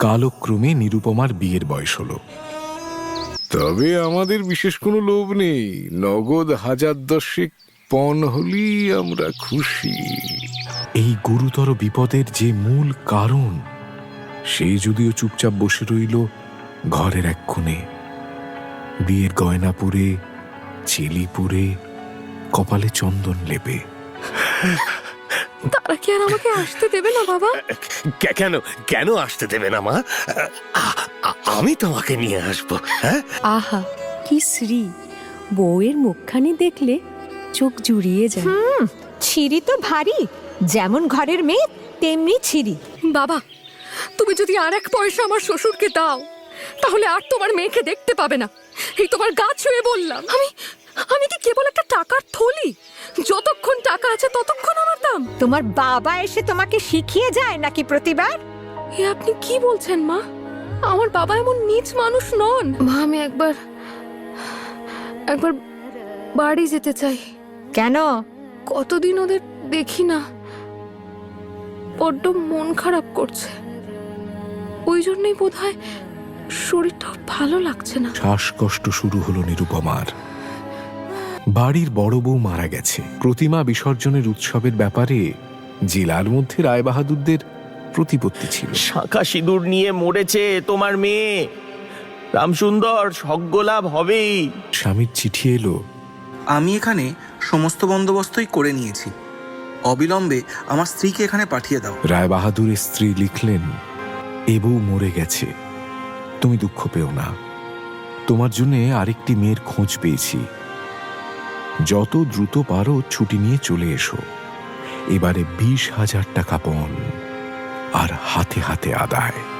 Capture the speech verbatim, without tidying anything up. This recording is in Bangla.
কালক্রমে নিরুপমার বিয়ের বয়স হলো। তবে আমাদের বিশেষ কোনো লোভ নেই, নগদ হাজার দশেক পণ হলি আমরা খুশি। এই গুরুতর বিপদের যে মূল কারণ, সে যদিও চুপচাপ বসে রইল ঘরের এক কোণে, বিয়ের গয়না পরে, চেলি পরে, কপালে চন্দন লেপে। তারা কি আর আমাকে আসতে দেবে না বাবা? কেন কেন আসতে দেবে না মা? আমি তোমাকে নিয়ে আসবো। হ্যাঁ, আহা কি শ্রী! বউয়ের মুখখানি দেখলে চোখ জুড়িয়ে যায়। হুম, ছিরি তো ভারী, যেমন ঘরের মেয়ে তেমনি ছিরি। বাবা, তুমি যদি আর এক পয়সা আমার শ্বশুরকে দাও, তাহলে আর তোমার মেয়েকে দেখতে পাবে না। এই তোমার গা ছুঁয়ে বললাম। আমি আমি কি কেবল একটা টাকার থলি? যতক্ষণ টাকা আছে ততক্ষণ আমার দাম। তোমার বাবা এসে তোমাকে শিখিয়ে যায় নাকি প্রতিবার? এ আপনি কি বলছেন মা? আমার বাবা এমন নীচ মানুষ নন। মা, আমি একবার একবার বাড়ি যেতে চাই। কেন? কতদিন ওদের দেখি না, বড্ড মন খারাপ করছে। ওই জন্যই বোধহয় শরীরটা ভালো লাগছে না। শ্বাসকষ্ট শুরু হলো নিরুপমার। বাড়ির বড় বউ মারা গেছে। প্রতিমা বিসর্জনের উৎসবের ব্যাপারে জেলার মধ্যে রায়বাহাদুরদের প্রতিপত্তি ছিল। শাঁখা সিঁদুর নিয়ে মরেছে তোমার মেয়ে। রামসুন্দর, সজ্ঞলাভ হবেই। স্বামীর চিঠি এলো। আমি এখানে সমস্ত বন্দোবস্তই করে নিয়েছি, অবিলম্বে আমার স্ত্রীকে এখানে পাঠিয়ে দাও। রায়বাহাদুরের স্ত্রী লিখলেন, এ বউ মরে গেছে, তুমি দুঃখ পেও না। তোমার জন্য আরেকটি মেয়ের খোঁজ পেয়েছি। যত দ্রুত পারো ছুটি নিয়ে চলে এসো। এবারে বিশ হাজার টাকা পণ আর হাতে হাতে আদায়।